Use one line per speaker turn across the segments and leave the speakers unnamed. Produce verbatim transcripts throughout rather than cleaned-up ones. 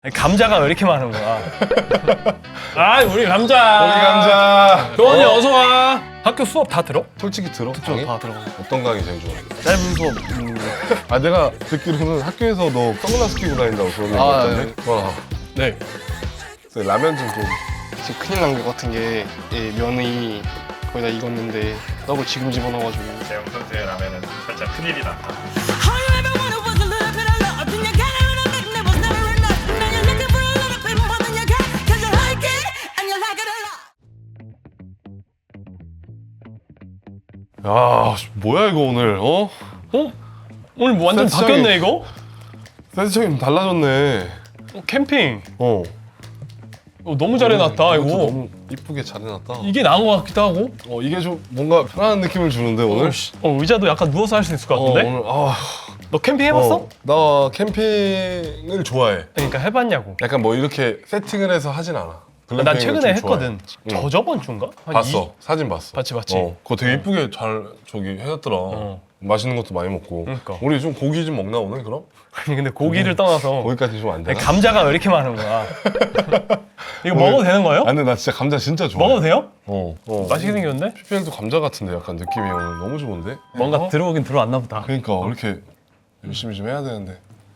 감자가 왜 이렇게 많은 거야? 아, 우리 감자.
우리 감자.
교원이 어? 어서 와. 학교 수업 다 들어?
솔직히 들어?
저
강의?
다 들어가.
어떤 강의 제일 좋아?
짧은 수업. 음...
아 내가 듣기로는 학교에서 너 선글라스 끼고 다닌다고 그런 얘기
아,
같던데? 와.
네.
그래서 라면 좀 좀.
지금 큰일 난 것 같은 게 예, 면이 거의 다 익었는데 떡을 지금 집어넣어가지고.
재영 선수의 라면은 살짝 큰일이 났다.
All you ever wanted was a little bit of love, and you got it when I think there was never enough. Now you're looking for a little bit more than you got, 'cause you like it and you like it a lot.
야 뭐야 이거 오늘 어?
어? 오늘 뭐 완전
세트장이-
바뀌었네 이거?
세트장이 달라졌네.
어, 캠핑.
어.
어, 너무 잘 해놨다 이거.
너무 이쁘게 잘 해놨다.
이게 나은 것 같기도 하고.
어 이게 좀 뭔가 편안한 느낌을 주는데 오늘.
어, 씨. 어, 의자도 약간 누워서 할 수 있을 것
어,
같은데?
오늘 아.
너 캠핑 해봤어?
어, 나 캠핑을 좋아해.
그러니까 해봤냐고.
약간 뭐 이렇게 세팅을 해서 하진 않아.
난
글램핑을
최근에
좀 좋아해.
했거든.
응.
저 저번 주인가? 한
봤어. 사진 봤어.
봤지, 봤지.
어, 그거 되게 이쁘게 잘 저기 해놨더라.
어.
맛있는 것도 많이 먹고.
그러니까.
우리 좀 고기 좀 먹나 오늘 그럼?
아니 근데 고기를 떠나서
거기까지 좀 안 되나?
감자가 왜 이렇게 많은 거야? 이거 먹어도 되는 거예요?
아 근데 나 진짜 감자 진짜 좋아.
먹어도 돼요?
어. 어.
맛있게 생겼는데?
피피엘도 감자 같은데 약간 느낌이 오늘 너무 좋은데?
뭔가
어?
들어오긴 들어왔나 보다.
그러니까 왜 이렇게 열심히 좀 해야 되는데.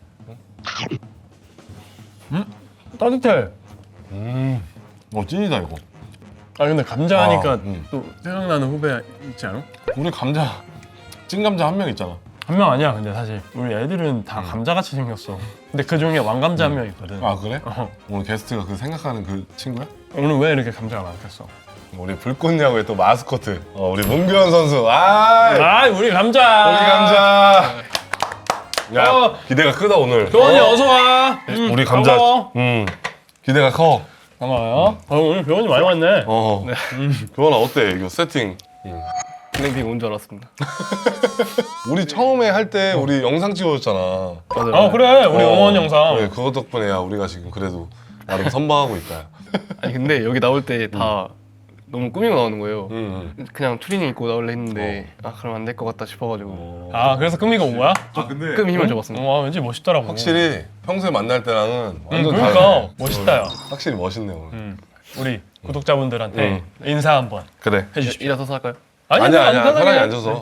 따뜻해.
음. 어 찐이다 이거.
아 근데 감자 하니까
아, 음.
또 생각나는 후배 있지 않아?
우리 감자 찐 감자 한 명 있잖아.
한 명 아니야 근데 사실 우리 애들은 다 감자같이 생겼어. 근데 그 중에 왕감자 한 명 있거든.
아 그래?
어.
오늘 게스트가 그 생각하는 그 친구야?
오늘 왜 이렇게 감자가 많겠어?
우리 불꽃야구의 또 마스코트. 어, 우리 문규현 선수. 아.
아 우리 감자.
우리 감자. 야
어.
기대가 크다 오늘.
교원이
어?
어? 서 와. 음,
우리 감자.
반가워.
음 기대가 커.
반가워요. 어, 오늘 교원이 많이 왔네.
어. 교원아 어때 이거 세팅?
글램핑 온 줄 알았습니다.
우리 처음에 할 때 우리 영상 찍어줬잖아.
맞아요.
아 그래 우리
어,
응원 영상.
그래, 그거 덕분에야 우리가 지금 그래도 나름 선방하고 있다.
아니 근데 여기 나올 때 다 너무 꾸미고 나오는 거예요.
응. 응.
그냥 트리닝 입고 나올래 했는데 아 그럼 안 될 것 같다 싶어가지고
아 그래서 끔이가 온 거야?
아 근데
끔 힘을 줘봤습니다.
와 왠지 멋있더라고.
확실히 평소에 만날 때랑은
응,
완전
그러니까
다르네.
멋있다 야.
확실히 멋있네 오늘.
음, 우리 구독자분들한테 인사 한번
그래.
해주십시오.
일어서서 할까요?
아니,
아니야
아니,
아니야
편하게.
편하게 앉아서.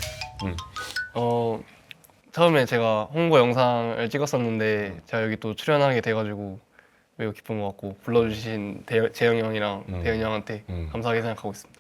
어 처음에 제가 홍보 영상을 찍었었는데 제가 여기 또 출연하게 돼가지고 매우 기쁜 것 같고 불러주신 대, 재영이 형이랑
음.
대현이 형한테
음.
감사하게 생각하고 있습니다.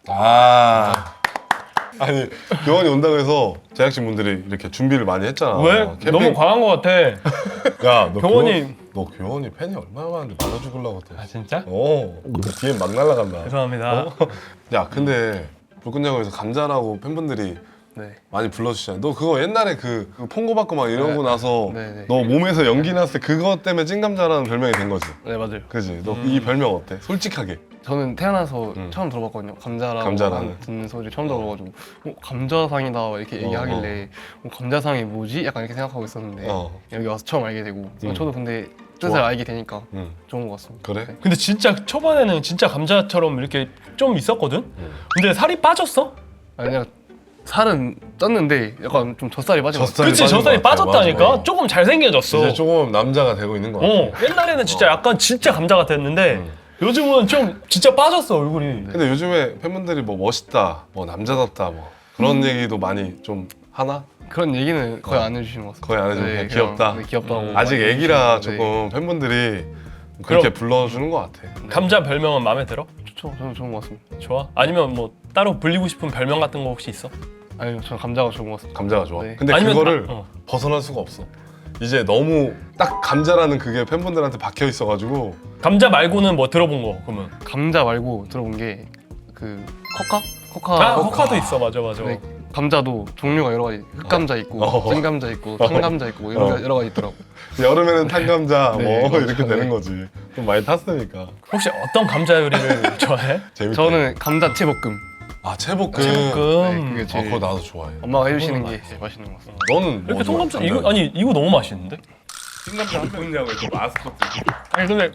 아. 아니 교원이 온다고 해서 제작진 분들이 이렇게 준비를 많이 했잖아.
왜?
캠핑-
너무 과한 것 같아.
야, 너
교원이-
교원, 너 교원이 팬이 얼마나 많은데 받아 죽으려고 또.
아 진짜?
어, 뒤에 막 날아간다.
죄송합니다.
어? 야, 근데 불꽃야구에서 감자라고 팬분들이
네.
많이 불러주시잖아. 너 그거 옛날에 그, 그 폰고 받고 막 이러고
네.
나서
네, 네.
너 몸에서 연기 났을 때 그것 때문에 찐감자라는 별명이 된 거지.
네 맞아요.
그지? 너 이 별명 어때? 솔직하게.
저는 태어나서
음.
처음 들어봤거든요. 감자라고
감자라는.
한- 듣는 소리 처음 들어봐가지고 어, 감자상이다 이렇게
어,
얘기하길래 어, 감자상이 뭐지? 약간 이렇게 생각하고 있었는데
어.
여기 와서 처음 알게 되고 어,
음.
저도 근데 뜻을
좋아.
알게 되니까
응.
좋은 것 같습니다.
그래?
네.
근데 진짜 초반에는 진짜 감자처럼 이렇게 좀 있었거든?
응.
근데 살이 빠졌어?
아니 그냥 살은 쪘는데 약간 좀 젖살이 빠진 것 같아요.
젖살이
그치
빠진
저 살이
것 같아.
빠졌다니까?
맞아.
조금 잘생겨졌어.
이제 조금 남자가 되고 있는 거 같아.
어 옛날에는 진짜 약간 진짜 감자 같았는데
응.
요즘은 좀 진짜 빠졌어 얼굴이.
근데 요즘에 팬분들이 뭐 멋있다, 뭐 남자답다, 뭐 그런 얘기도 많이 좀 하나?
그런 얘기는 거의
어.
안 해주시는 것 같습니다.
거의 안 해주고 그냥
그냥,
귀엽다?
네, 귀엽다고
음.
아직
많이
애기라
해주시는데
조금 팬분들이 그렇게
그럼-
불러주는 것 같아.
감자 별명은 마음에 들어?
좋죠. 저는 좋은 것 같습니다.
좋아? 아니면 뭐 따로 불리고 싶은 별명 같은 거 혹시 있어?
아니요, 저는 감자가 좋은 것 같습니다.
감자가 좋아.
네.
근데
아니면-
그거를
아, 어.
벗어날 수가 없어. 이제 너무 딱 감자라는 그게 팬분들한테 박혀 있어가지고
감자 말고는 뭐 들어본 거 그러면?
감자 말고 들어본 게 그 커카? 커카.
아 호카도 있어 맞아 맞아.
네, 감자도 종류가 여러 가지. 흑감자 있고,
어.
찐 감자 있고, 탄감자 있고 이런
어.
게 여러 가지 있더라고.
여름에는 탄감자
네,
뭐
그렇죠.
이렇게 되는
네.
거지. 좀 많이 탔으니까.
혹시 어떤 감자 요리를 좋아해?
재밌다.
저는 감자 채볶음.
아 채볶음.
네,
채볶음.
그게
아
제일
그거 나도 좋아해.
엄마가 해주시는
그거는
게
맛있어.
제일 맛있는 것 같습니다.
너는
이렇게
뭐 좋아?
통감자 이거 아니 이거 너무 맛있는데?
찐감자 한 분냐고 또 마스코트.
아니 근데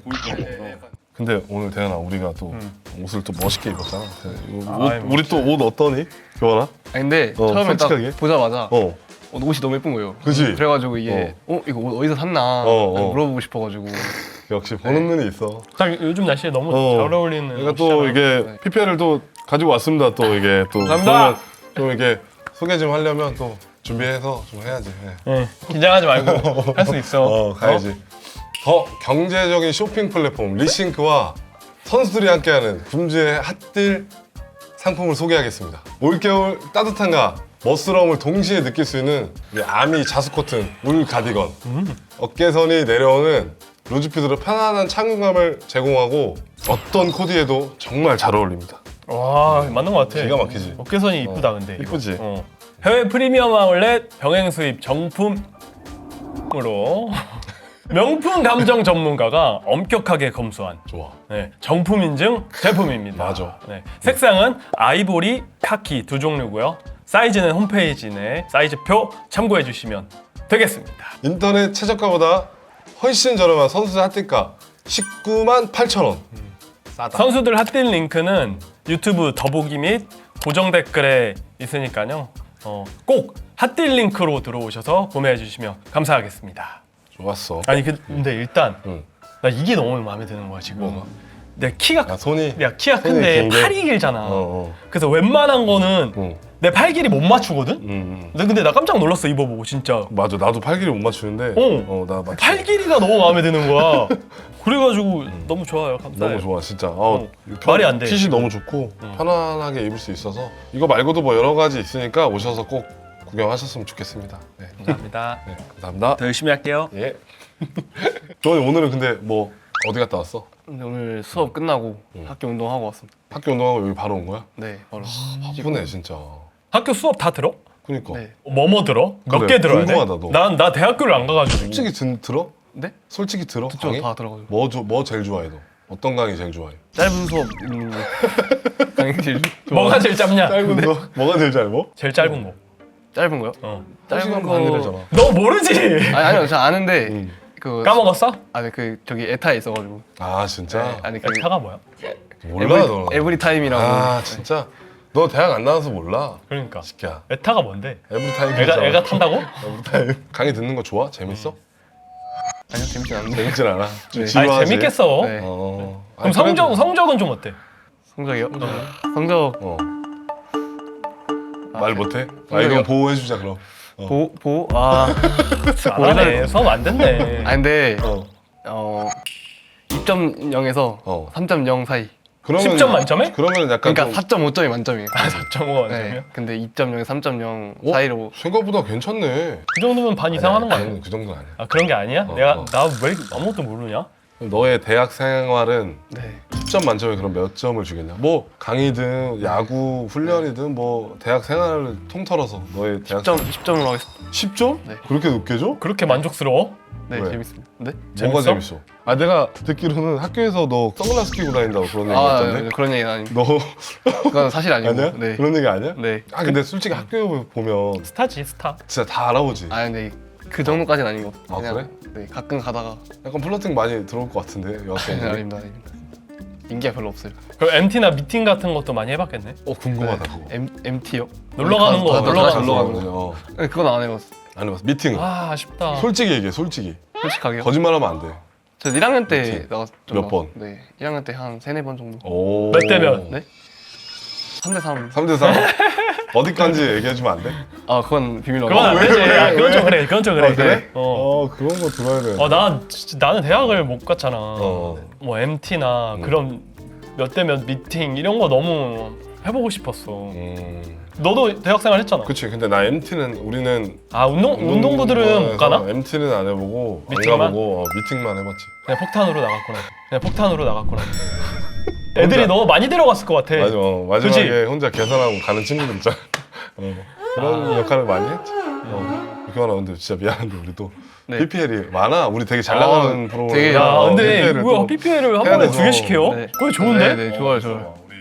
근데 오늘 대현아 우리가 또
음.
옷을 또 멋있게 입었잖아. 이거
아,
옷,
아이,
우리 또 옷 어떠니? 교환아?
아니 근데
어,
처음에
솔직하게?
딱 보자마자
어.
어, 옷이 너무 예쁜 거예요.
그지?
그래가지고 이게 어, 이거 옷 어디서 샀나
어, 어.
물어보고 싶어가지고
역시 보는 눈이 있어.
딱 요즘 날씨에 너무
어.
잘 어울리는.
그러니까 또
옷이잖아.
이게 피피엘을 또 가지고 왔습니다. 또 이게 또
감사합니다.
그러면 좀 이게 소개 좀 하려면 또 준비해서 좀 해야지. 예.
네, 긴장하지 말고 할 수 있어.
어 가야지. 더 경제적인 쇼핑 플랫폼 리싱크와 선수들이 함께하는 굶주의 핫딜 상품을 소개하겠습니다. 올겨울 따뜻함과 멋스러움을 동시에 느낄 수 있는 이 아미 자수 코튼 울 가디건. 어깨선이 내려오는 루즈핏으로 편안한 착용감을 제공하고 어떤 코디에도 정말 잘 어울립니다.
와 맞는 것 같아.
기가 막히지.
어깨선이 이쁘다 근데. 이거.
이쁘지?
어. 해외 프리미엄 아울렛 병행 수입 정품으로 명품 감정 전문가가 엄격하게 검수한
좋아.
네, 정품 인증 제품입니다.
맞아.
네, 색상은 아이보리, 카키 두 종류고요. 사이즈는 홈페이지 내 사이즈표 참고해 주시면 되겠습니다.
인터넷 최저가보다 훨씬 저렴한 선수들 핫딜가 십구만 팔천 원. 싸다.
선수들 핫딜 링크는 유튜브 더보기 및 고정 댓글에 있으니까요. 어, 꼭 핫딜 링크로 들어오셔서 구매해 주시면 감사하겠습니다.
좋았어.
아니 그- 근데 일단
응.
나 이게 너무 마음에 드는 거야 지금.
뭐가?
내 키가
야 손이.
야 키가
손이
큰데
긴 게?
팔이 길잖아.
어, 어.
그래서 웬만한 거는
응.
내 팔 길이 못 맞추거든.
음, 음.
근데 근데 나 깜짝 놀랐어 입어보고 진짜.
맞아. 나도 팔 길이 못 맞추는데.
어.
어, 나 맞.
팔 길이가 너무 마음에 드는 거야. 그래가지고 너무 좋아요. 감사해요.
너무 좋아 진짜. 어,
어, 말이 안 돼.
핏이 너무 좋고 편안하게 입을 수 있어서 이거 말고도 뭐 여러 가지 있으니까 오셔서 꼭 구경하셨으면 좋겠습니다. 네,
감사합니다.
네 감사합니다.
더 열심히 할게요.
예. 조원이 오늘은 근데 뭐 어디 갔다 왔어?
근데 오늘 수업 끝나고 학교 운동하고 왔습니다.
학교 운동하고 여기 바로 온 거야?
네, 바로.
바쁘네 진짜.
학교 수업 다 들어?
그니까.
네.
뭐뭐 들어? 몇
그래,
개 들어야 돼?
궁금하다, 너.
난 나 대학교를 안 가가지고.
솔직히 든, 들어?
네?
솔직히 들어?
저
강의?
다 들어가지고.
뭐, 조- 뭐 제일 좋아해 너? 어떤 강의 제일 좋아해?
짧은 수업 있는 거. 강의 제일 좋아.
뭐가 제일 짧냐?
짧은 거? 뭐가 제일 짧어?
제일 짧은 거.
짧은 거요?
어.
한 시간
짧은
반이래잖아.
너 모르지?
아니 아니요, 저 아는데
응.
그
까먹었어?
아니 그 저기 에타에 있어가지고.
아 진짜?
네, 아니 그
타가 뭐야?
몰라
에브리,
너.
에브리 타임이라고.
아 진짜? 너 대학 안 나와서 몰라?
그러니까.
새끼야.
에타가 뭔데?
에브리타임
애가
괜찮아.
애가 탄다고?
에브리타임. 강의 듣는 거 좋아? 재밌어?
아니요, 재밌진 않은데.
재밌진 않아. 좀
네.
지루하지?
아니 재밌겠어.
네.
어.
그럼
아니,
성적
그래도-
성적은 좀 어때?
성적이요? 성적
어.
아,
말 못해? 아
성적이요?
이건 보호해주자 그럼. 어.
보 보. 아.
잘하네. 수업 안 됐네.
아 근데
어.
어 이 점 영에서
어.
삼 점 영 사이.
그러면
십 점 만점에?
그러면 약간
그러니까
좀-
사 점 오 점이 만점이에요.
사 점 오가 만점이야?
네. 근데 이 점 영에 삼 점 영
어?
사이로.
생각보다 괜찮네.
그 정도면 반 이상 하는 거 아니야?
아니, 그 정도는 아니야.
아 그런 게 아니야?
어,
내가
어.
나 왜 아무것도 모르냐?
그럼 너의 대학 생활은
네.
십 점 만점에 그럼 몇 점을 주겠냐? 뭐 강의든 야구 훈련이든 뭐 대학 생활을 통틀어서 너의 대학
십 점 십 점으로 하겠습니다.
십 점?
네.
그렇게 높게 줘?
그렇게 만족스러워?
네,
왜?
재밌습니다. 네?
뭐가
재밌어?
재밌어? 아 내가 듣기로는 학교에서 너 선글라스 끼고 다닌다고 그런 얘기
아,
같던데?
네, 그런 얘기는 아닙니다.
너
그건 사실 아니고.
아니야?
네.
그런 얘기 아니야?
네.
아 근데 솔직히 학교 보면
스타지 스타.
진짜 다 알아보지.
아 근데 그 정도까지는 아닌 것
아,
같아요.
그래?
네, 가끔 가다가.
약간 플러팅 많이 들어올 것 같은데
네,
여학생들이.
아닙니다, 아닙니다. 인기가 별로 없어요.
그럼 엠티나 미팅 같은 것도 많이 해봤겠네?
어 궁금하다 그거.
M MT요?
놀러 가는 거, 놀러 가는
놀러
거.
가는 거.
어.
네, 그건 안 해봤어.
안 해봤어. 미팅.
아 아쉽다.
솔직히 얘기해. 솔직히.
솔직하게요.
거짓말하면 안 돼.
저 일 학년 때
미팅.
나갔
몇 번?
네, 일 학년 때 한 세네 번 정도.
오.
몇 대면?
네? 삼 대 삼.
삼 대 삼. 어디까지 얘기해주면 안 돼?
아, 그건 비밀로.
그건 안
왜,
되지.
왜,
아, 그건
왜?
좀 그래. 그건 좀 그래.
아, 그래?
어.
어 그런 거 들어야 돼.
어, 나 진짜 나는 대학을 못 갔잖아.
어.
뭐 엠티나
음.
그런 몇 대 몇 미팅 이런 거 너무 해보고 싶었어.
음.
너도 대학생활 했잖아.
그치. 근데 나 엠티는 우리는
아 운동 운동부들은 못 가나?
엠티는 안 해보고
미팅만?
안 가보고 어, 미팅만 해봤지.
그냥 폭탄으로 나갔구나. 그냥 폭탄으로 나갔구나. 애들이 너무 많이 데려갔을 것 같아.
맞아. 어, 마지막에
그치?
혼자 계산하고 가는 친구들 있잖아. 어, 그런
아.
역할을 많이 했지. 어. 교환아 근데 진짜 미안한데 우리 또
네.
피피엘이 많아. 우리 되게 잘
아,
나가는 프로그램.
되게-
야
어,
근데
피피엘을
뭐야
또
피피엘을 한
해야
번에
돼서.
두 개씩 해요?
네.
그거 좋은데?
네, 네, 좋아요, 좋아요.
우리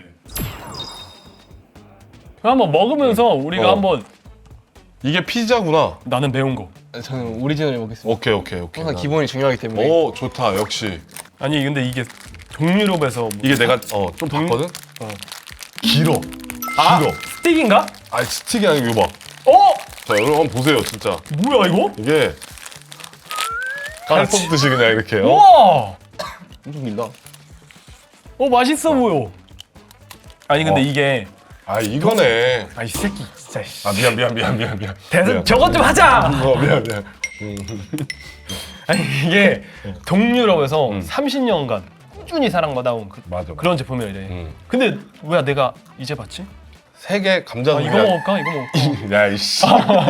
한번 먹으면서 우리가
어.
한번
이게 피자구나.
나는 매운 거.
저는 오리지널을 먹겠습니다.
오케이 오케이 오케이.
항상 기본이 중요하기 때문에.
오 좋다 역시.
아니 근데 이게 동유럽에서 뭐
이게 내가 어 좀 봤거든.
어.
길어.
아
길어.
스틱인가?
아 스틱이 아니고 이거 봐.
어?
자 여러분 한번 보세요 진짜.
뭐야 이거?
이게 칼
아, 지-
뽑듯이 그냥 이렇게. 어?
우와!
엄청 길다.
어 맛있어 보여. 아니 근데
어.
이게
아 이거네.
아 이 새끼 진짜. 씨.
아 미안 미안 미안 미안 미안.
대선
미안.
저것 좀 하자.
어 미안 미안.
아니 이게 동유럽에서 삼십 년간 꾸준히 사랑받아온 그,
맞아.
그런 제품이래.
음.
근데 왜 내가 이제 봤지?
세계 감자
아, 이거 먹을까? 이거 먹을까?
야 이씨.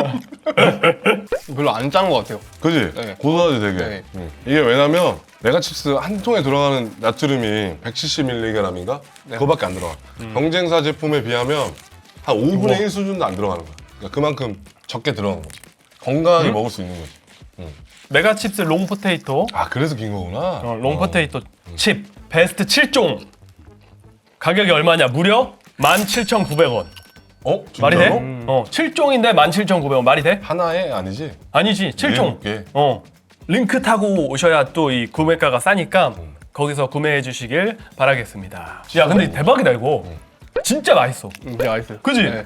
별로 안 짠 것 같아요.
그지?
네.
고소하지 되게.
네.
응. 이게 왜냐면 메가칩스 한 통에 들어가는 나트륨이 백칠십 밀리그램인가? 그거밖에 안 들어가. 경쟁사 제품에 비하면 한 오분의 일 수준도 안 들어가는 거야. 그러니까 그만큼 적게 들어가는 거지. 건강하게 먹을 수 있는 거지.
메가칩스 롱포테이토
아 그래서 긴 거구나.
어, 롱포테이토 칩 베스트 칠 종 가격이 얼마냐? 무려 만 칠천구백 원.
어?
말이 돼?
진짜로?
어, 칠 종인데 만 칠천구백 원 말이 돼?
하나에 아니지?
아니지, 칠 종.
일곱 개.
어. 링크 타고 오셔야 또 이 구매가가 싸니까
음.
거기서 구매해 주시길 바라겠습니다. 야, 근데 대박이다 이거. 진짜 맛있어.
음, 되게 맛있어요.
그지?
네.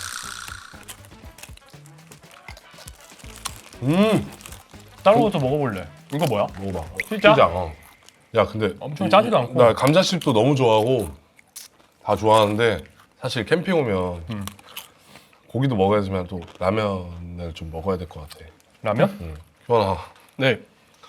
음.
다른 것도 먹어볼래. 이거 뭐야?
먹어봐.
진짜?
피자. 어. 야 근데
엄청 짜지도 않고.
나 감자칩도 너무 좋아하고 다 좋아하는데 사실 캠핑 오면
음.
고기도 먹어야지만 또 라면을 좀 먹어야 될 것 같아.
라면?
응. 효원아,
네.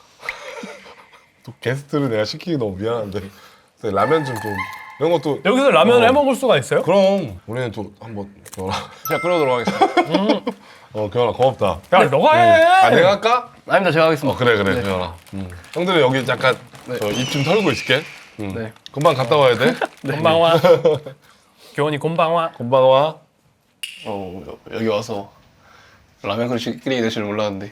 또 게스트를 내가 시키기 너무 미안한데 근데 라면 좀 좀 이런 것도
여기서 라면을
어.
해 먹을 수가 있어요?
그럼 우리는 또 한번 교환아.
제가 끓여도록 하겠습니다.
어 교환아 고맙다.
야, 너가 해.
아 내가 할까?
아닙니다. 제가 하겠습니다.
어 그래 그래
네.
교환아. 음. 형들은 여기 잠깐
네.
입 좀 털고 있을게. 음.
네.
금방 갔다 와야 돼.
곤방와. 교원이 곤방와.
금방 와.
어, 여기 와서 라면 그릇 끓이게 될 줄 몰랐는데.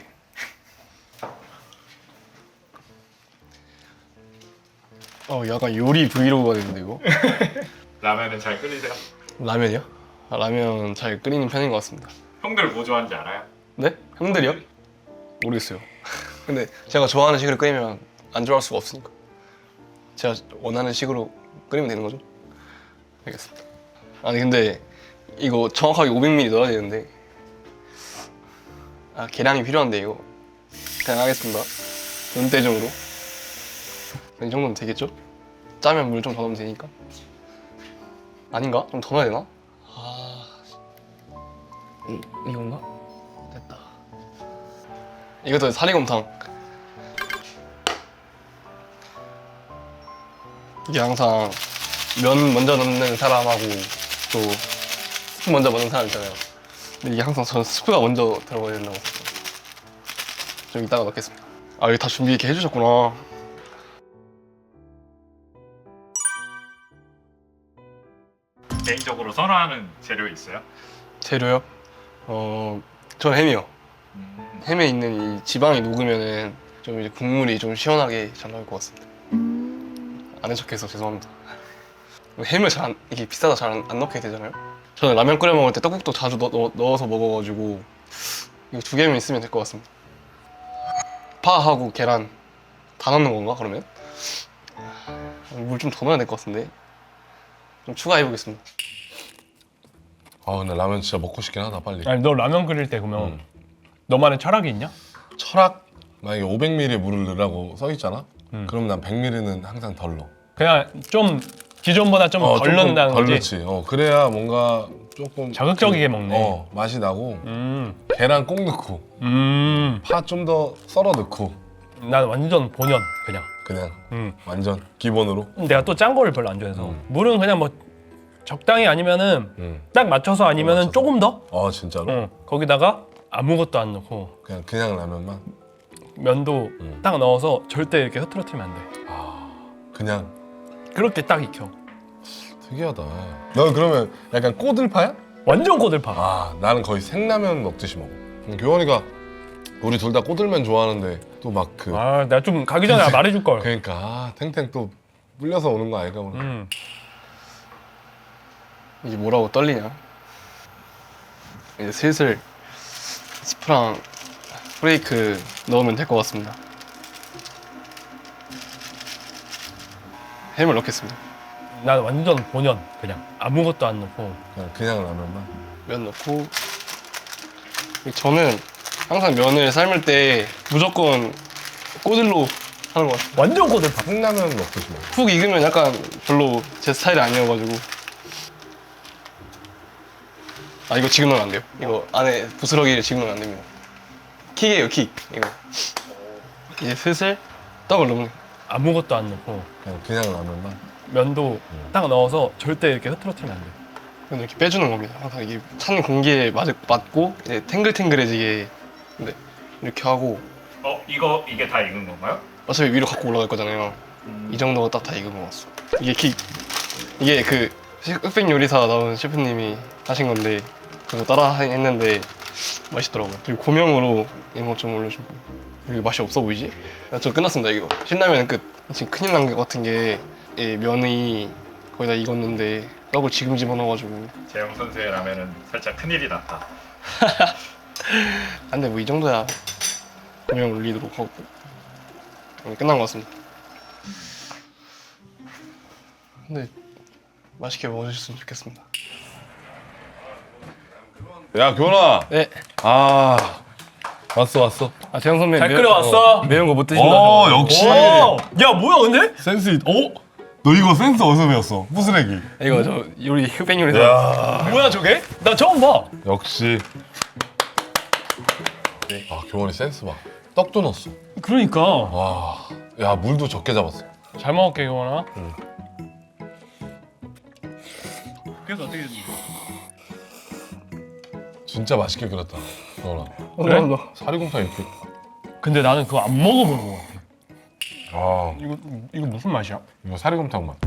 어, 약간 요리 브이로그가 됐는데 이거?
라면은 잘 끓이세요?
라면이요? 아, 라면 잘 끓이는 편인 것 같습니다.
형들 뭐 좋아하는지 알아요?
네? 형들이요? 모르겠어요. 근데 제가 좋아하는 식으로 끓이면 안 좋아할 수가 없으니까. 제가 원하는 식으로 끓이면 되는 거죠? 알겠습니다. 아니 근데 이거 정확하게 오백 밀리리터 넣어야 되는데 아 계량이 필요한데 이거 그냥 하겠습니다. 눈대중으로 이 정도면 되겠죠? 짜면 물 좀 더 넣으면 되니까. 아닌가? 좀 더 넣어야 되나? 아 이, 이건가? 됐다. 이것도 사리곰탕. 이게 항상 면 먼저 넣는 사람하고 또 스프 먼저 넣는 사람 있잖아요. 근데 이게 항상 저는 스프가 먼저 들어가야 된다고 생각해요. 좀 이따가 넣겠습니다. 아 이거 다 준비 이렇게 해주셨구나.
개인적으로 선호하는 재료 있어요?
재료요? 어, 저는 햄이요.
음,
햄에 있는 이 지방이 녹으면은 좀 이제 국물이 좀 시원하게 잘 나올 것 같습니다. 아는 척해서 죄송합니다. 햄을 잘 안, 이게 비싸다 잘 안 넣게 되잖아요. 저는 라면 끓여 먹을 때 떡국도 자주 넣, 넣, 넣어서 먹어가지고 이거 두 개만 있으면 될 것 같습니다. 파하고 계란 다 넣는 건가 그러면? 물 좀 더 넣어야 될 것 같은데 좀 추가해 보겠습니다.
아 근데 라면 진짜 먹고 싶긴 하다 빨리.
아니 너 라면 끓일 때 그러면
음.
너만의 철학이 있냐?
철학 만약에 오백 밀리리터 물을 넣으라고 써 있잖아.
음.
그럼 난 백 밀리리터는 항상 덜 넣어.
그냥 좀 기존보다 좀 덜
조금
넣는다는
덜
거지?
넣지. 어 그래야 뭔가 조금
자극적이게
좀,
먹네.
어 맛이 나고
음,
계란 꼭 넣고
음,
파 좀 더 썰어 넣고
난 완전 본연 그냥.
그냥
음.
완전 기본으로.
내가 또 짠 거를 별로 안 좋아해서
음.
물은 그냥 뭐 적당히 아니면은
음.
딱 맞춰서 아니면은
맞춰서.
조금 더.
어 진짜로.
어, 거기다가 아무것도 안 넣고
그냥 그냥 라면만.
면도
음.
딱 넣어서 절대 이렇게 흐트러뜨리면 안 돼.
아 그냥
그렇게 딱 익혀.
특이하다. 너 그러면 약간 꼬들파야?
완전 꼬들파.
아 나는 거의 생라면 먹듯이 먹어. 음, 교원이가 우리 둘 다 꼬들면 좋아하는데 또 막 그
아, 내가 좀 가기 전에 말해줄 걸.
그러니까 아, 탱탱 또 물려서 오는 거 아닐까 오늘.
음.
이게 뭐라고 떨리냐? 이제 슬슬 스프랑 프레이크 넣으면 될 것 같습니다. 햄을 넣겠습니다.
난 완전 본연 그냥 아무것도 안 넣고.
그냥 그냥 라면만.
면 넣고 저는 항상 면을 삶을 때 무조건 꼬들로 하는 것 같아요.
완전 고들파.
컵라면 먹듯이 먹어.
푹 익으면 약간 별로 제 스타일이 아니어가지고. 아 이거 지금 넣으면 안 돼요. 이거 안에 부스러기를 지금 넣으면 안 됩니다. 킥이에요 킥. 이거 이제 슬슬 떡을 넣는.
아무것도 안 넣고
그냥, 그냥 라면만.
면도 딱 넣어서 절대 이렇게 흐트러뜨리면 안 돼.
그냥 이렇게 빼주는 겁니다. 항상 이게 찬 공기에 맞, 맞고 이제 탱글탱글해지게. 네 이렇게 하고
어 이거 이게 다 익은 건가요?
어차피 위로 갖고 올라갈 거잖아요. 이 정도가 딱 다 익은 것 같어. 이게 킥. 이게 그 흑백 요리사 나온 셰프님이 하신 건데 그거 따라 했는데 맛있더라고요. 그리고 고명으로 이런 거 좀 올려주고. 이게 맛이 없어 보이지? 아, 저 끝났습니다 이거. 신라면 끝. 지금 큰일 난 것 같은 게 이 면이 거의 다 익었는데 떡을 지금 집어넣어가지고
재영 선수의 라면은 살짝 큰일이 났다.
안돼 뭐 이 정도야 고명 올리도록 하고 오늘 끝난 것 같습니다. 근데 맛있게 먹어주셨으면 좋겠습니다.
야 교훈아.
네.
아 왔어 왔어.
아 재영 선배
잘
매-
끓여왔어.
어, 매운 거 못 드신다.
어 역시.
오! 야 뭐야 근데?
센스 있. 어? 너 이거 센스 어디서 배웠어? 무스레기.
이거 저 요리 흑백 요리사.
야
뭐야 저게? 나 처음 봐.
역시. 아 교훈이 센스 봐. 떡도 넣었어.
그러니까
와. 야 물도 적게 잡았어.
잘 먹을게 이거나.
응.
그래서 어떻게 됐지?
진짜 맛있게 끓였다. 교훈아.
그래?
너.
사리곰탕 이렇게.
근데 나는 그거 안 먹어본 거 같아.
아
이거 이거 무슨 맛이야?
이거 사리곰탕 맛.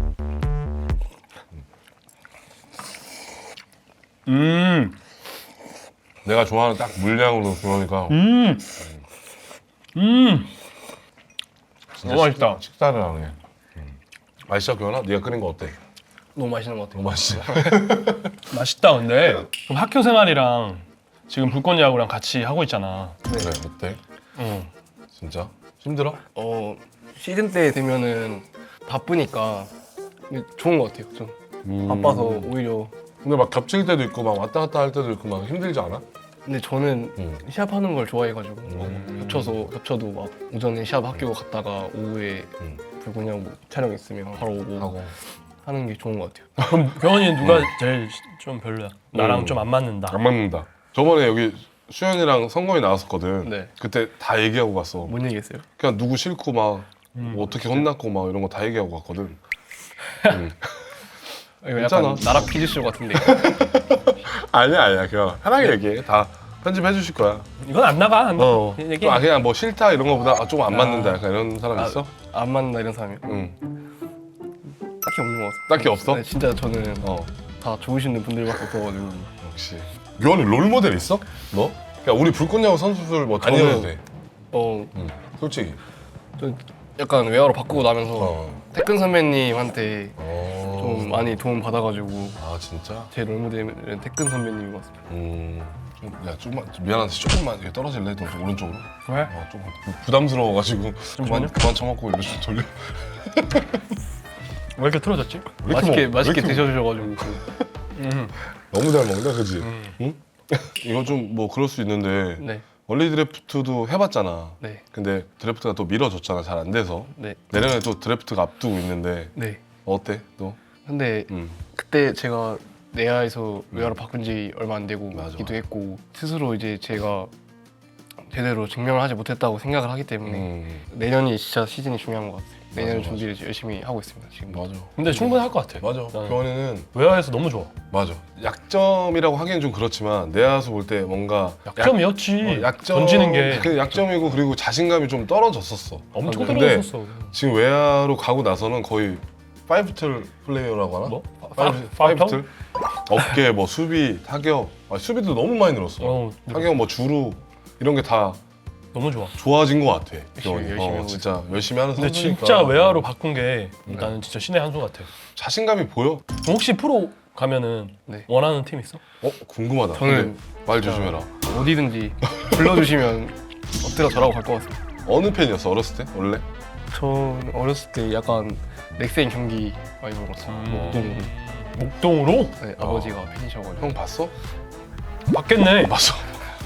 음,
내가 좋아하는 딱 물량으로 그러니까
음, 음.
진짜
너무 맛있다.
식, 식사를 하네. 음. 맛있어 교훈아? 네가 끓인 거 어때?
너무 맛있는 것 같아요.
너무 맛있어.
맛있다 근데. 그럼 학교 생활이랑 지금 불꽃야구랑 같이 하고 있잖아.
그래 어때?
응.
진짜? 힘들어?
어 시즌 때 되면은 바쁘니까 좋은 것 같아요. 좀
음.
바빠서 오히려.
근데 막 겹칠 때도 있고 막 왔다 갔다 할 때도 있고 막 힘들지 않아?
근데 저는
응.
시합하는 걸 좋아해가지고
음.
겹쳐서 겹쳐도 막 오전에 시합 학교 갔다가 오후에
음.
불구냐고 촬영 있으면 바로 오고
하고.
하는 게 좋은 것 같아요.
그럼 병원이 누가 제일 좀 별로야? 나랑
음.
좀 안 맞는다.
안 맞는다. 저번에 여기 수현이랑 성건이 나왔었거든.
네.
그때 다 얘기하고 갔어.
뭔 얘기했어요?
그냥 누구 싫고 막
음.
뭐 어떻게 혼났고 막 이런 거 다 얘기하고 갔거든. 음.
이거
괜찮아.
약간 나라 퀴즈쇼 같은데.
아니야 아니야 그냥 편하게 얘기해. 다 편집해 주실 거야.
이건 안 나가. 안 나가.
어.
얘기.
아 그냥 뭐 싫다 이런 거보다 아, 좀 안
아.
맞는다 약간 이런 사람
아,
있어?
안 맞나 이런 사람이
응.
딱히 없는 것 같아요.
딱히 없어?
네, 진짜 저는
어.
다 좋으신 분들밖에 없어가지고.
역시. 교환이 롤 모델 있어? 너? 그러니까 우리 불꽃야구 선수들 뭐 아니어도
저는-
돼.
어,
응. 솔직히.
저 약간 외화로 바꾸고 나면서
어.
태근 선배님한테
어.
좀 많이 도움 받아가지고
아 진짜?
제 롤모델은 태근 선배님인 것 같습니다.
음. 좀, 야 조금만 미안한데 조금만 이렇게 떨어질래? 너 좀 오른쪽으로?
왜?
어, 조금 부- 부담스러워가지고 그만 그만 처먹고 일로 좀 돌려.
왜 이렇게 틀어졌지?
왜 이렇게
맛있게
먹-
맛있게
왜 이렇게
드셔주셔가지고
음.
너무 잘 먹는다, 그지?
음.
응? 이거 좀 뭐 그럴 수 있는데
네,
원리 드래프트도 해봤잖아.
네,
근데 드래프트가 또 미뤄졌잖아, 잘 안 돼서.
네,
내년에 또 드래프트가 앞두고 있는데
네.
어때, 너?
근데
음.
그때 제가 내야에서 외화로 바꾼 지 얼마 안 되고
맞아,
기도
맞아.
했고 스스로 이제 제가 제대로 증명을 하지 못했다고 생각을 하기 때문에
음.
내년이 진짜 시즌이 중요한 것 같아요. 내년
맞아,
준비를 열심히 하고 있습니다. 지금.
맞아.
근데 충분히 할 것 같아.
맞아.
나는.
교환이는
외화에서 너무 좋아.
맞아. 약점이라고 하기엔 좀 그렇지만 내야에서 볼 때 뭔가
약점이었지.
약, 어, 약점
던지는 게
그 약점이고 그리고 자신감이 좀 떨어졌었어.
엄청
근데
떨어졌었어.
지금 외야로 가고 나서는 거의 파이브틀 플레이어라고 하나?
뭐?
파이브,
파이브
파이브틀? 어깨, 뭐 수비, 타격. 아, 수비도 너무 많이 늘었어.
어,
타격, 뭐 주루 이런 게 다
너무 좋아.
좋아진 것 같아.
열심히,
교환이.
열심히
어,
하고
진짜 열심히 하는
근데
선수니까.
진짜 외화로 바꾼 게 나는 진짜 신의 한 수 같아.
자신감이 보여?
그럼 혹시 프로 가면은
네.
원하는 팀 있어?
어 궁금하다.
저는
근데 말 조심해라.
어디든지 불러주시면 엎드려 절하고 갈 것 같습니다.
어느 팬이었어 어렸을 때 원래?
전 어렸을 때 약간 넥센 경기 많이 보았어요.
음.
목동으로.
목동으로?
네, 아버지가 팬이셔가지고.
형 봤어?
봤겠네.
봤어.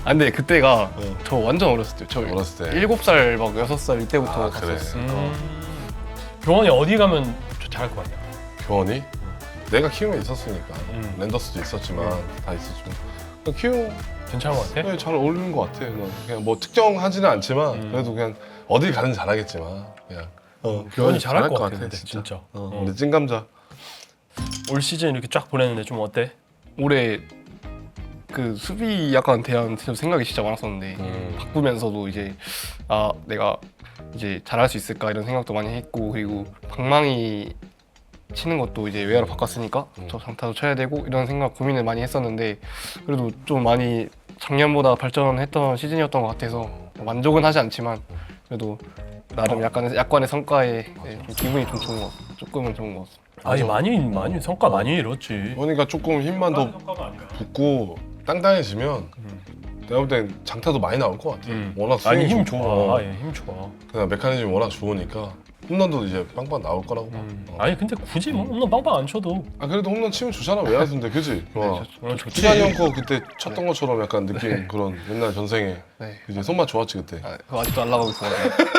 아 근데 그때가
어.
저 완전 어렸을 때. 저
어렸을 때.
일곱 살 막 여섯 살 이때부터
아, 그래.
갔었으니까.
음. 교원이 어디 가면 좀 잘할 것 같냐?
교원이 내가 키움에 있었으니까
음.
랜더스도 있었지만 다 있었지만 그냥 키움
괜찮은 것 같아?
네, 잘 어울리는 것 같아. 난 그냥 뭐 특정하지는 않지만
음.
그래도 그냥 어딜 가든 잘하겠지만 그냥 어,
교원이 잘할 것 같아, 근데 진짜.
어,
어.
우리 찐감자.
올 시즌 이렇게 쫙 보냈는데 좀 어때?
올해 그 수비 약간 대한 생각이 진짜 많았었는데
음.
바꾸면서도 이제 아 내가 이제 잘할 수 있을까 이런 생각도 많이 했고 그리고 방망이 치는 것도 이제 외야로 바꿨으니까
음.
저 장타도 쳐야 되고 이런 생각 고민을 많이 했었는데 그래도 좀 많이 작년보다 발전했던 시즌이었던 것 같아서 만족은 하지 않지만 그래도 나름 약간의 약간의 성과에 네, 좀 기분이 좀 좋은 것 같아요. 조금은 좋은 것 같습니다.
아니
맞아.
많이 많이 성과 많이 이뤘지.
그러니까 조금 힘만 더
성과가 아니라.
붙고 땅땅해지면 내가 볼 땐 장타도 많이 나올 것 같아.
음.
워낙
아니
스윙이
힘
좋고,
좋아.
어.
아, 예, 힘 좋아.
그냥 메커니즘이 워낙 좋으니까 홈런도 이제 빵빵 나올 거라고 봐.
음.
어.
아니 근데 굳이 뭐 홈런 빵빵 안 쳐도
아 그래도 홈런 치면 좋잖아 외야수인데 그지? 와.
오늘 좋지.
수산이 형거 그때 쳤던 것처럼 약간 느낌 그런 옛날 전생에
네.
이제 손맛 좋았지 그때.
아, 그거 아직도 안 나가고 있어요.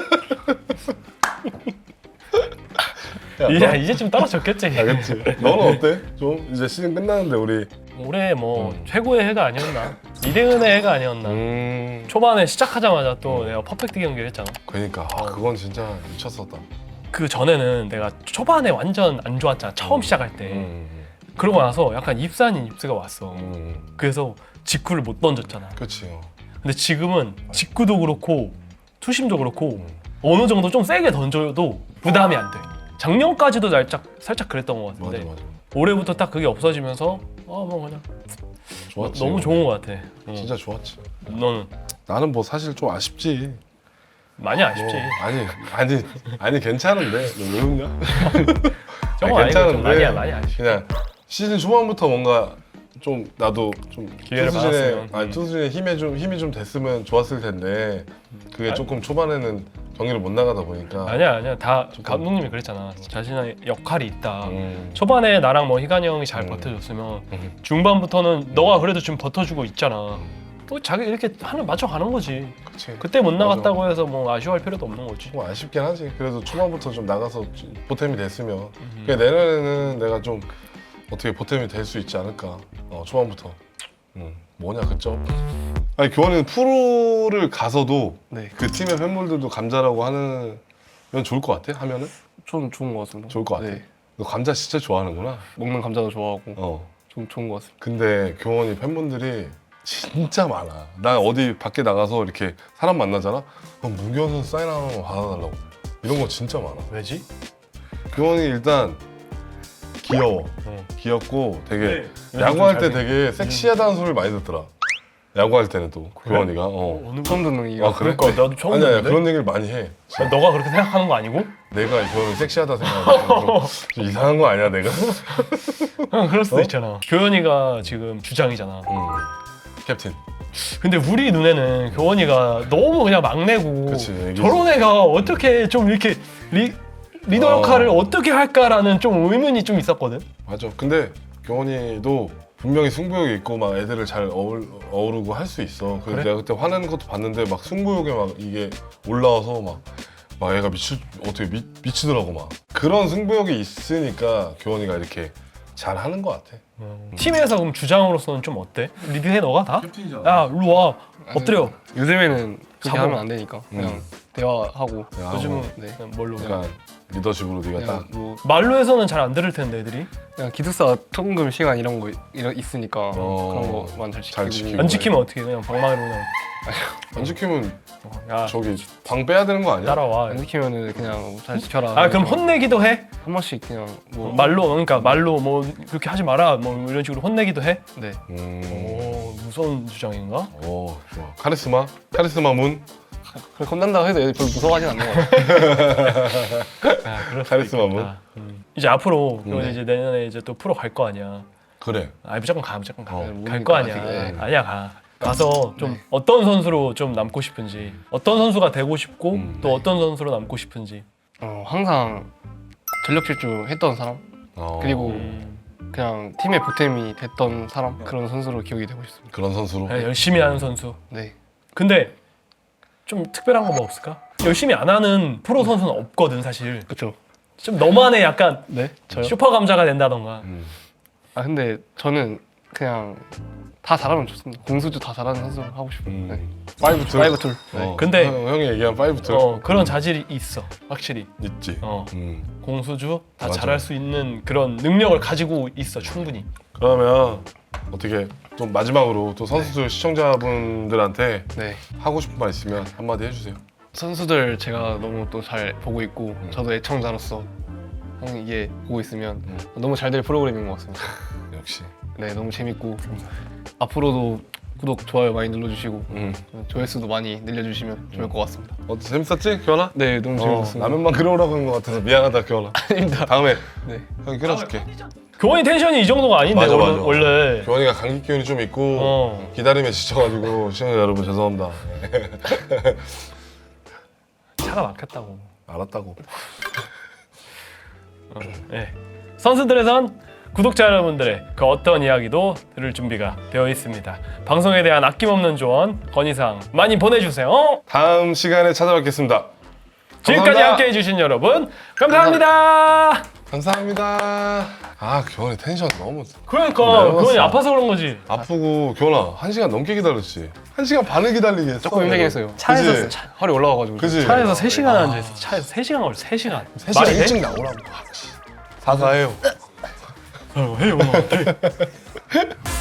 이제 이제 좀 떨어졌겠지.
알겠지? 너는 어때? 좀 이제 시즌 끝나는데 우리
올해 뭐
음.
최고의 해가 아니었나? 이대은의 해가 아니었나?
음
초반에 시작하자마자 또 내가 퍼펙트 경기를 했잖아.
그러니까 아, 그건 진짜 미쳤었다.
그 전에는 내가 초반에 완전 안 좋았잖아. 처음 시작할 때.
음,
그러고 나서 약간 입스 아닌 입스가 왔어.
음,
그래서 직구를 못 던졌잖아.
그렇지. 어.
근데 지금은 직구도 그렇고 투심도 그렇고
음.
어느 정도 좀 세게 던져도 부담이 안 돼. 작년까지도 살짝 살짝 그랬던 것
맞아
같은데
맞아.
올해부터 딱 그게 없어지면서 어뭐 그냥
좋았지.
너무 좋은 것 같아. 어.
진짜 좋았지.
너는
나는 뭐 사실 좀 아쉽지.
많이 아쉽지.
뭐, 아니 아니 아니 괜찮은데 너 왜 웃냐?
저거 아니고 좀 많이 많이 아쉽지.
그냥 시즌 초반부터 뭔가 좀 나도 좀
기회를
투수진의
받았으면.
아니
음.
투수진의 힘에 좀 힘이 좀 됐으면 좋았을 텐데 그게 조금 초반에는 경기를 못 나가다 보니까
아니야 아니야 다 감독님이 그랬잖아. 자신의 역할이 있다.
음.
초반에 나랑 뭐 희관이 형이 잘
음.
버텨줬으면
음.
중반부터는 너가 그래도 지금 버텨주고 있잖아. 또 자기 이렇게 하는 맞춰가는 거지.
그치.
그때 못
맞아.
나갔다고 해서 뭐 아쉬워할 필요도 없는 거지.
좀 아쉽긴 하지. 그래도 초반부터 좀 나가서 보탬이 됐으면
음.
그러니까 내년에는 내가 좀 어떻게 보탬이 될 수 있지 않을까. 어, 초반부터. 음. 뭐냐 그점. 아니 교환이는 프로를 가서도
네,
그 팀의 팬분들도 감자라고 하는 면 좋을 것 같아? 하면은?
좀 좋은 것 같습니다.
좋을 것 같아.
네,
너 감자 진짜 좋아하는구나.
먹는 감자도 좋아하고
어.
좀 좋은 것 같습니다.
근데 교원이 팬분들이 진짜 많아. 나 어디 밖에 나가서 이렇게 사람 만나잖아? 그럼 문교원 선수 사인 하나만 받아달라고. 이런 거 진짜 많아.
왜지?
교원이 일단 귀여워.
어.
귀엽고 되게
네.
야구할 때
요즘 좀
되게 섹시하다는 소리를 많이 듣더라. 야구할 때는 또 교원이가. 어.
어느
처음 듣는 얘기가
아 그래?
그러니까 나도 처음
아니야, 아니야
듣는데?
그런 얘기를 많이 해.
야, 너가 그렇게 생각하는 거 아니고?
내가 교원이 섹시하다 생각하고 좀 이상한 거 아니야 내가?
응, 그럴 수도
어?
있잖아. 교현이가 지금 주장이잖아.
응. 캡틴.
근데 우리 눈에는 교원이가 너무 그냥 막내고
그치, 애기지.
저런 애가 어떻게 좀 이렇게 리, 리더
어.
역할을 어떻게 할까라는 좀 의문이 좀 있었거든.
맞아. 근데 교원이도 분명히 승부욕이 있고 막 애들을 잘 어울, 어우르고 할 수 있어. 그래서
그래?
내가 그때 화내는 것도 봤는데 막 승부욕에 막 이게 올라와서 막, 막 애가 미치 어떻게 미, 미치더라고 막. 그런 승부욕이 있으니까 교원이가 이렇게 잘 하는 것 같아.
팀에서 그럼 주장으로서는 좀 어때? 리드해 너가 다?
캡틴이잖아.
야 일로 와 엎드려.
요즘에는 그렇게
잡아.
하면 안 되니까 그냥
음.
대화하고
요즘은
네.
그냥 뭘로
약간 리더십으로 네가
그냥
딱.
뭐
말로해서는 잘 안 들을 텐데 애들이
그냥 기숙사 통금 시간 이런 거 이런 있으니까
어.
그런 거만 잘 지키고,
잘 지키고.
안 지키면 어떻게 그냥 방망이로 그냥
안 지키면
야
저기 방 빼야 되는 거 아니야?
따라와.
안 지키면은 그냥 잘 지켜라.
아 그럼 혼내기도 해?
한 번씩 그냥 뭐
말로 그러니까 말로 뭐 그렇게 하지 마라 뭐 이런 식으로 혼내기도 해?
네.
음.
오 무서운 주장인가?
오, 좋아. 카리스마? 카리스마 문?
그래 겁난다고 해도 애들 별로 무서워하진 않는 것 같아요.
아 그럴 수도
카리스마
있겠다. 음. 이제 앞으로 그러면
네.
이제 내년에 이제 또 프로 갈 거 아니야.
그래.
아 무조건 가 무조건 가.
어,
갈
모르니까
거 아니야.
아직, 네.
아니야 가. 가서 좀 어떤 선수로 좀 남고 싶은지, 어떤 선수가 되고 싶고
음,
또 어떤 선수로 남고 싶은지.
어, 항상 전력 질주 했던 사람
어.
그리고
음.
그냥 팀의 보탬이 됐던 사람 그런 선수로 기억이 되고 싶습니다.
그런 선수로.
네, 열심히 하는 선수.
네.
근데 좀 특별한 거 뭐 없을까? 열심히 안 하는 프로 선수는 없거든 사실.
그렇죠.
좀 너만의 약간
네. 저요?
슈퍼 감자가 된다던가.
음.
아 근데 저는 그냥 다 잘하면 좋습니다. 공수주 다 잘하는 선수 하고 싶어요.
음.
네.
파이브 툴.
파이브 툴.
어.
근데-
형, 형이 얘기한 파이브 툴
어 그런 자질이 있어 확실히.
있지.
어
음.
공수주 다
맞아.
잘할 수 있는 그런 능력을 가지고 있어 충분히.
그러면 어떻게 좀 마지막으로 또 선수들 시청자분들한테
네.
하고 싶은 말 있으면 한마디 해주세요.
선수들 제가 너무 또 잘 보고 있고 저도 애청자로서 항상 이게 보고 있으면
음.
너무 잘 될 프로그램인 것 같습니다.
역시.
네, 너무 재밌고 앞으로도 구독, 좋아요 많이 눌러주시고
음.
조회수도 많이 늘려주시면 좋을 것 같습니다.
어 재밌었지, 교환아?
네, 너무
어,
재밌었습니다.
라면만 끓여오라고 한 것 같아서 미안하다, 교환아.
아닙니다.
다음에
네.
형이 끓여줄게.
교원이 텐션이 이 정도가 아닌데
맞아,
원래,
맞아.
원래.
교환이가 감기 기운이 좀 있고
어.
기다림에 지쳐가지고 시청자 여러분 죄송합니다.
차가 막혔다고.
알았다고.
네. 선수들에선 구독자 여러분들의 그 어떤 이야기도 들을 준비가 되어 있습니다. 방송에 대한 아낌없는 조언, 건의사항 많이 보내주세요.
다음 시간에 찾아뵙겠습니다.
지금까지
감사합니다.
함께해 주신 여러분 감사합니다.
감사합니다. 아 교환이 텐션 너무
그러니까
내려갔어.
교원이 아파서 그런 거지.
아프고 교환아 한 시간 넘게 기다렸지. 한 시간 반을 기다리게 했어.
조금 힘들긴 했어요.
차에서
그치?
차,
허리 올라와가지고.
그지?
차에서 세 시간 앉아있어. 차에서 세 시간 걸려. 세 시간.
세 시간
말이 돼?
일찍 나오라고. 아, 씨. 사과해요.
어, 해요.